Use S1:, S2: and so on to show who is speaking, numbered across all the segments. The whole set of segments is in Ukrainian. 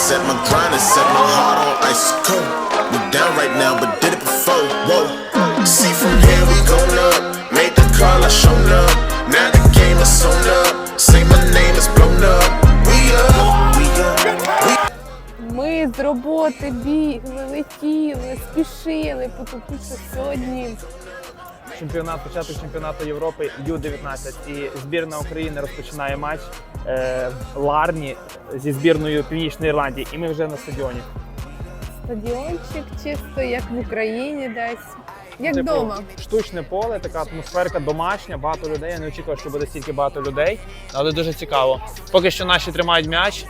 S1: set my grind and set my heart on ice cold. We down right now, but did it before. Whoa. See from here we going up. Made the call, I shown up. Now the game is sewn up. Say my name is blown up. We up, we up, we up.
S2: Ми з роботи бігли, летіли, спішили, тому що сьогодні
S3: Початок чемпіонату Європи Ю-19 і збірна України розпочинає матч в Ларні зі збірною Північної Ірландії, і ми вже на стадіоні.
S2: стадіончик чисто, як в Україні десь, як
S3: Типу,
S2: вдома.
S3: штучне поле, така атмосферка домашня, багато людей. Я не очікував, що буде стільки багато людей, але дуже цікаво. Поки що наші тримають м'яч.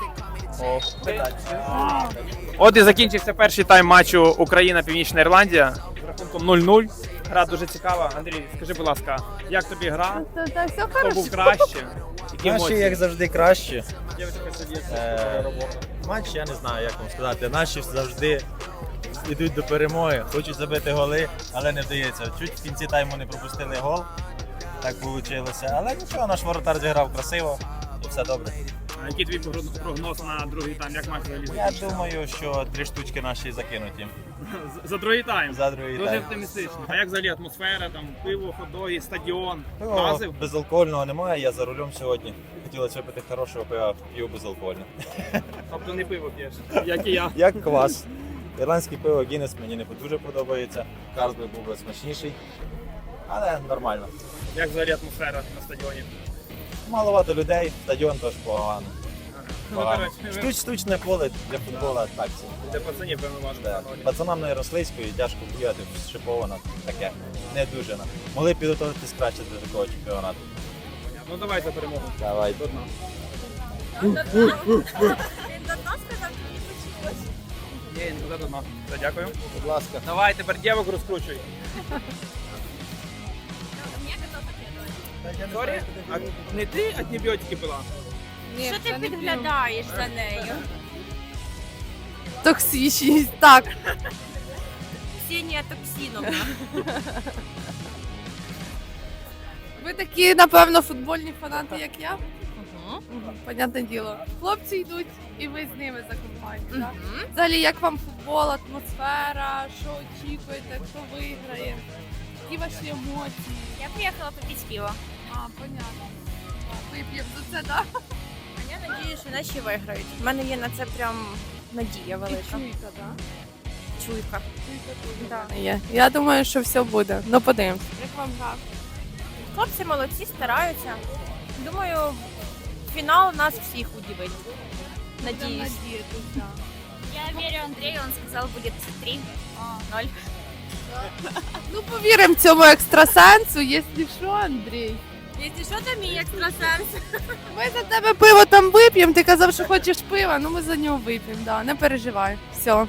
S3: От і закінчився перший тайм матчу Україна-Північна Ірландія з рахунком 0-0. Гра дуже цікава. Андрій, скажи, будь ласка, як тобі гра?
S2: Та все
S3: Хто
S2: хорошо.
S3: був краще? Які
S4: Наші,
S3: емоції?
S4: як завжди, кращі.
S3: Дівчинка сидить, робота.
S4: Матч, я не знаю, як вам сказати. Наші завжди йдуть до перемоги, хочуть забити голи, але не вдається. Чуть в кінці тайму не пропустили гол, так вийшло. Але нічого, наш воротар зіграв красиво і все добре.
S3: А який твій прогноз на другий тайм? Як матч взагалі
S4: Я
S3: закінчиться?
S4: думаю, що 3 штучки наші закинуть їм
S3: За другий тайм?
S4: за другий
S3: Дуже
S4: тайм.
S3: оптимістично. А як взагалі атмосфера, там пиво, хот-доги, стадіон?
S4: Пиво
S3: Вразив?
S4: безалкогольного немає, я за рулем сьогодні. Хотілося випити хорошого пива, п'ю безалкогольне.
S3: Тобто не пиво п'єш, як і я.
S4: Як квас. Ірландське пиво Гіннес мені не дуже подобається. Карлсбей був би смачніший, але нормально.
S3: Як взагалі атмосфера на стадіоні?
S4: Маловато людей, стадіон теж погано.
S3: Ну, коротше,
S4: Штучне поле для футболу так собі.
S3: для пацанів, певно, важко.
S4: Да. Пацанам на Ярославської тяжко бігати, шиповано, таке, не дуже. Могли підготуватись краще до такого чемпіонату.
S3: Ну давай за перемогу.
S4: Давай.
S3: До дна.
S5: Він до дна сказав, що не почулось.
S3: Ні, не до дна. Все, дякую.
S4: Будь ласка.
S3: Давай, тепер дівок розкручуй.
S5: Мені казав,
S3: Сорі, а не ти антибіотики пила?
S2: Ні,
S5: що
S2: це
S5: ти
S2: не
S5: підглядаєш за нею?
S2: п'ю. Токсичність, так.
S5: Ксенія Токсіновна.
S2: Ви такі, напевно, футбольні фанати, як я? Понятне діло. Хлопці йдуть, і ви з ними за компанію. Так? Взагалі, як вам футбол, атмосфера, що очікуєте, хто виграє? Які ваші емоції?
S5: Я приїхала попити пиво.
S2: А, понятно. Вип'ємо за це, так?
S5: А я надію, що наші виграють. У мене є на це прям надія
S2: І
S5: велика.
S2: чуйка, так?
S5: Чуйка. Да.
S2: Є. Я думаю, що все буде. Ну, подивимось. Як вам гра?
S5: Хлопці молодці, стараються. Думаю, фінал нас всіх удивить. Надіюсь. Я вірю Андрею, він сказав, буде 3-0.
S2: Ну, повіримо цьому екстрасенсу, якщо що, Андрій.
S5: Якщо що, то мій екстрасенс.
S2: Ми за тебе пиво там вип'ємо, ти казав, що хочеш пива, ну ми за нього вип'ємо, да. Не переживай. Все.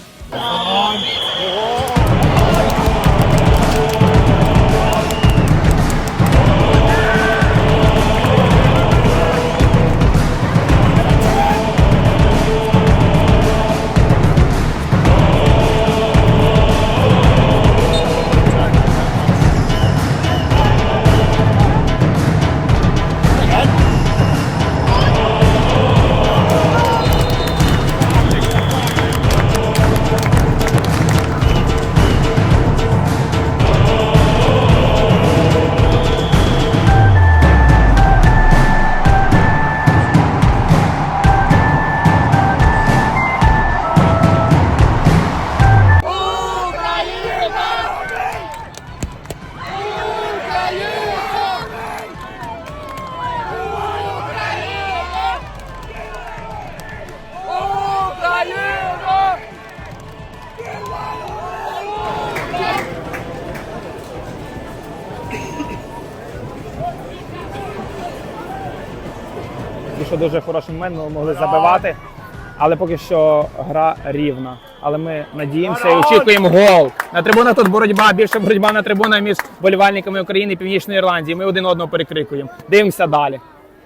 S3: Що дуже хороший момент, ми могли забивати, але поки що гра рівна. Але ми надіємося і очікуємо гол. На трибунах тут боротьба, більше боротьба на трибунах між болівальниками України і Північної Ірландії. Ми один одного перекрикуємо. Дивимося далі.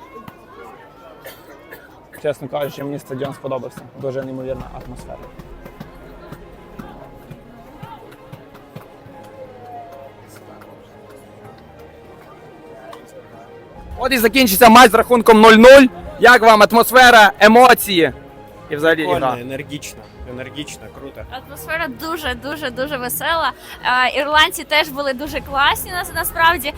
S3: Чесно кажучи, мені стадіон сподобався. Дуже неймовірна атмосфера. От і закінчиться матч з рахунком 0-0. Як вам атмосфера, емоції? і взагалі ігра.
S6: Прикольно, енергічно, круто.
S5: Атмосфера дуже весела. Ірландці теж були дуже класні насправді.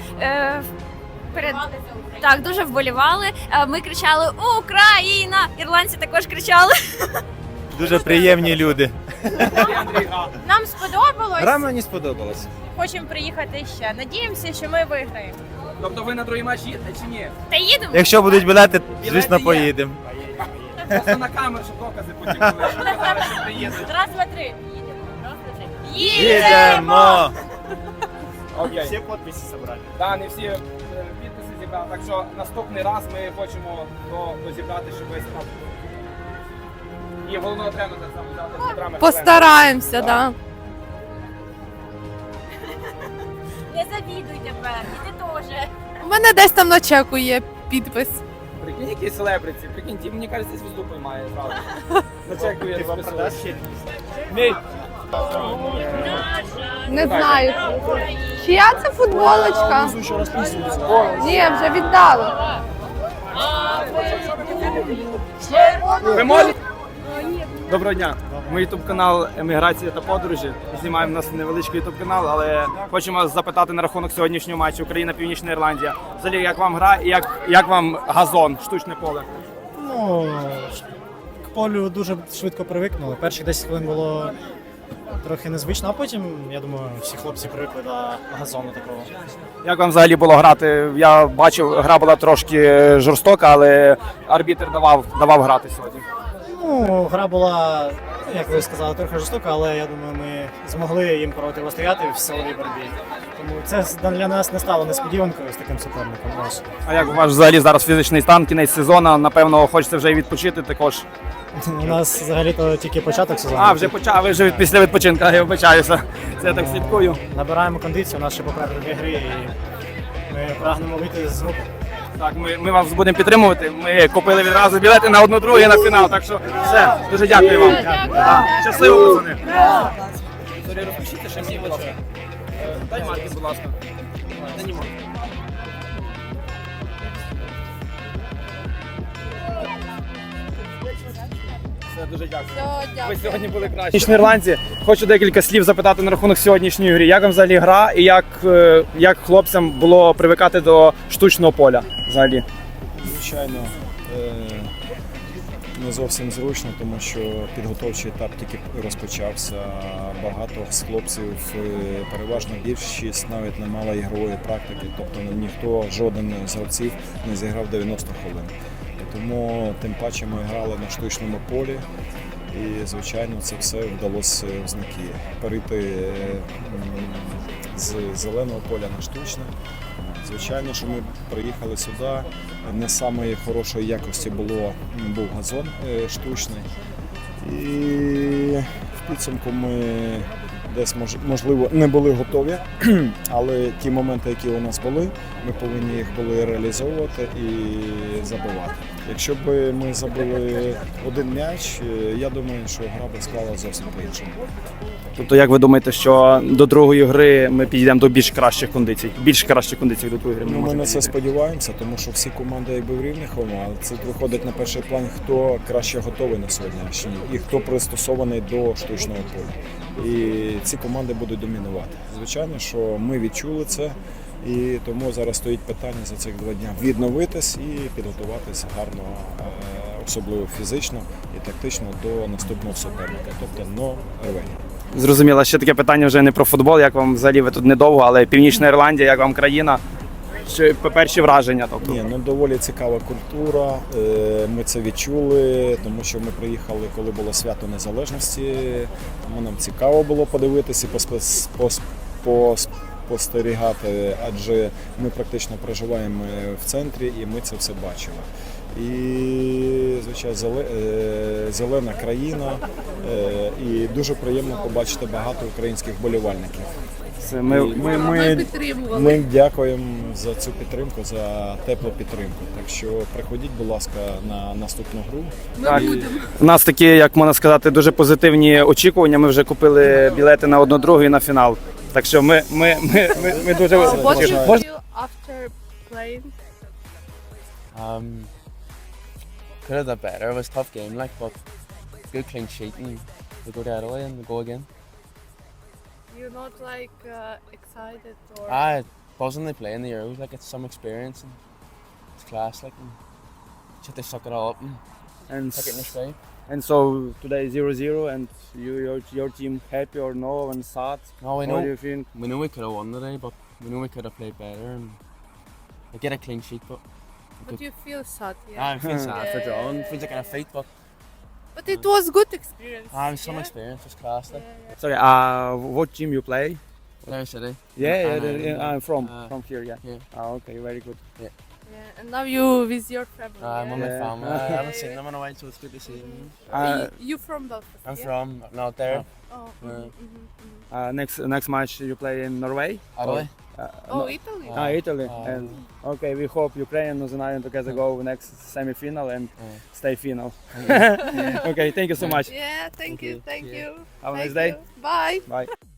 S5: Так, дуже вболівали. Ми кричали Україна! Ірландці також кричали.
S4: Дуже приємні люди.
S7: Нам сподобалось.
S6: Гра мені сподобалась.
S7: Хочемо приїхати ще. Надіємося, що ми виграємо.
S3: Тобто ви на другий матч їдете чи ні?
S5: Та їдемо.
S4: Якщо будуть білети, звісно,
S3: Білети є.
S4: поїдемо.
S3: Просто на камеру, щоб докази потім були, що казали, що приїдете.
S7: Раз, два, три. Їдемо.
S5: Раз, два, три.
S4: Їдемо!
S3: Окей.
S6: Всі підписи зібрали.
S3: Да, не всі підписи зібрали, так що наступний раз ми хочемо дозібрати, щоб весь там. І головного тренера так само взяти Дмитра Михайленка.
S2: Постараємося, да.
S5: Не завідуй тепер, і ти теж.
S2: У мене десь там на чеку є підпис.
S3: Прикинь, якісь селебриті, прикинь, ті, мені кажеться, звізду поймає, правда. Зачекує,
S6: Ти вам продаш ще?
S3: Мій.
S2: Не знаю. Чия це футболочка? Ні, вже віддали.
S3: Ви можете? Доброго дня. Ми ютуб канал Еміграція та подорожі. Знімаємо у нас невеличкий ютуб канал, але хочемо вас запитати на рахунок сьогоднішнього матчу Україна-Північна Ірландія. Взагалі, як вам гра і як вам газон, штучне поле?
S8: Ну, к полю дуже швидко привикнули. Перші 10 хвилин було трохи незвично, а потім, я думаю, всі хлопці привикли до газону такого.
S3: Як вам взагалі було грати? Я бачив, гра була трошки жорстока, але арбітр давав грати сьогодні.
S8: Ну, гра була, як ви сказали, трохи жорстока, але я думаю, ми змогли їм протистояти в силовій боротьбі. Тому це для нас не стало несподіванкою з таким суперником. Ось.
S3: А як ваш взагалі зараз фізичний стан, кінець сезону? Напевно, хочеться вже і відпочити також.
S8: У нас взагалі-то тільки початок сезону.
S3: А, вже почав, ви вже після відпочинку, я вибачаюся. Це я так слідкую.
S8: Набираємо кондицію, у нас ще попереду 2 гри, і ми прагнемо вийти з групи.
S3: Так, ми вас будемо підтримувати. Ми купили відразу білети на 1-2 і на фінал. Так що все, дуже дякую вам. Так, щасливо, пацани. Сорі, розпишіться ще мені, будь ласка. Дай марки, будь ласка. Дай не марки. Все, дуже дякую. Ви сьогодні були кращі. Північні ірландці. Хочу декілька слів запитати на рахунок сьогоднішньої гри. Як вам взагалі гра і як хлопцям було привикати до штучного поля взагалі?
S9: Звичайно, не зовсім зручно, тому що підготовчий етап тільки розпочався. Багато з хлопців, переважно більшість, навіть не мала ігрової практики, тобто ніхто, жоден з гравців не зіграв 90 хвилин. Тому тим паче ми грали на штучному полі і, звичайно, це все вдалося в знаки. Перейти з зеленого поля на штучне. Звичайно, що ми приїхали сюди, не самої хорошої якості був газон штучний. І в підсумку ми десь, можливо, не були готові, але ті моменти, які у нас були, ми повинні їх були реалізовувати і забивати. Якщо б ми забили один м'яч, я думаю, що гра б склала зовсім по-іншому.
S3: Тобто, як ви думаєте, що до другої гри ми підійдемо до більш кращих кондицій? Більш кращих кондицій до другої гри ми
S9: Ми
S3: можемо
S9: на це
S3: підійти?
S9: сподіваємося, тому що всі команди якби в рівних умовах, але це виходить на перший план, хто краще готовий на сьогоднішній і хто пристосований до штучного поля. І ці команди будуть домінувати. Звичайно, що ми відчули це, і тому зараз стоїть питання за цих 2 дні відновитись і підготуватись гарно, особливо фізично і тактично до наступного суперника, тобто Норвегія.
S3: Зрозуміло, ще таке питання вже не про футбол, як вам взагалі ви тут недовго, але Північна Ірландія, як вам країна? Чи перші враження? Тобто?
S9: Ні, доволі цікава культура. Ми це відчули, тому що ми приїхали, коли було свято Незалежності. Тому нам цікаво було подивитися і спостерігати, адже ми практично проживаємо в центрі і ми це все бачили. І, звичайно, зелена країна, і дуже приємно побачити багато українських вболівальників.
S2: Ми підтримували.
S9: Ми дякуємо за цю підтримку, за теплу підтримку. Так що приходіть, будь ласка, на наступну гру.
S2: Ми будемо.
S3: У нас такі, як можна сказати, дуже позитивні очікування. Ми вже купили білети на 1-2 і на фінал. Так що ми дуже
S2: What
S3: тішимо.
S2: you feel after playing?
S10: Could have done better. It was a tough game, but good clean sheet and we go the other way and we go again.
S2: You're not like excited or
S10: Buzzing they play in the Euros, like it's some experience and it's class, like and just they suck it all up and take it in their stride.
S3: And so today 0-0 and your team happy or no and sad?
S10: No, we
S3: What do
S10: know
S3: you think?
S10: we could have won today, but we know we could have played better and we get a clean sheet,
S2: but you feel sad, yeah.
S10: I feel sad for
S2: Yeah.
S10: drawing. Feels like in a fight,
S2: But it was good experience.
S10: it was some experience, it was class. Like.
S3: Sorry, what team you play?
S10: Larry City.
S3: I'm from here, yeah.
S10: Yeah.
S3: Okay, very good.
S2: Yeah, and now you with your family.
S10: I'm with my
S3: Yeah.
S10: family. I haven't seen them in a while, so it's good to see them.
S2: You from Belfast?
S10: I'm
S2: yeah?
S10: from not there.
S2: Oh,
S3: Next match you play in Norway?
S10: Italy.
S3: No.
S2: Italy.
S3: Italy. And okay, we hope Ukraine and Zion together go next semi-final and stay final. Okay, thank you so much.
S2: Yeah, thank you.
S3: Have a
S2: Thank
S3: nice day.
S2: you. Bye.
S3: Bye.